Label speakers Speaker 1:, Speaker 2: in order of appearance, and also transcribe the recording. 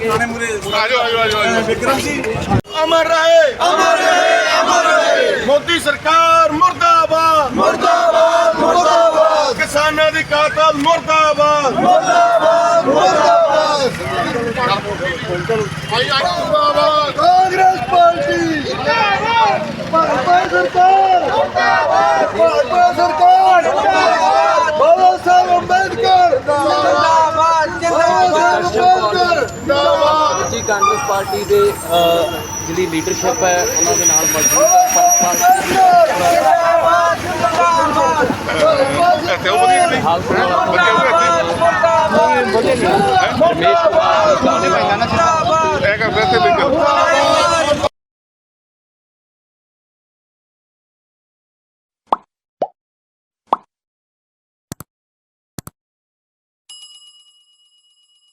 Speaker 1: विक्रम जी अमर रहे, अमर रहे, अमर रहे। मोदी सरकार मुर्दाबाद, मुर्दाबाद, मुर्दाबाद। किसानों की कातल मुर्दाबाद, मुर्दाबाद, मुर्दाबाद। कांग्रेस पार्टी भाजपा सरकार, भाजपा सरकार, बाबा साहब अम्बेडकर
Speaker 2: जी कांग्रेस पार्टी के जी लीडरशिप है उन्होंने हाल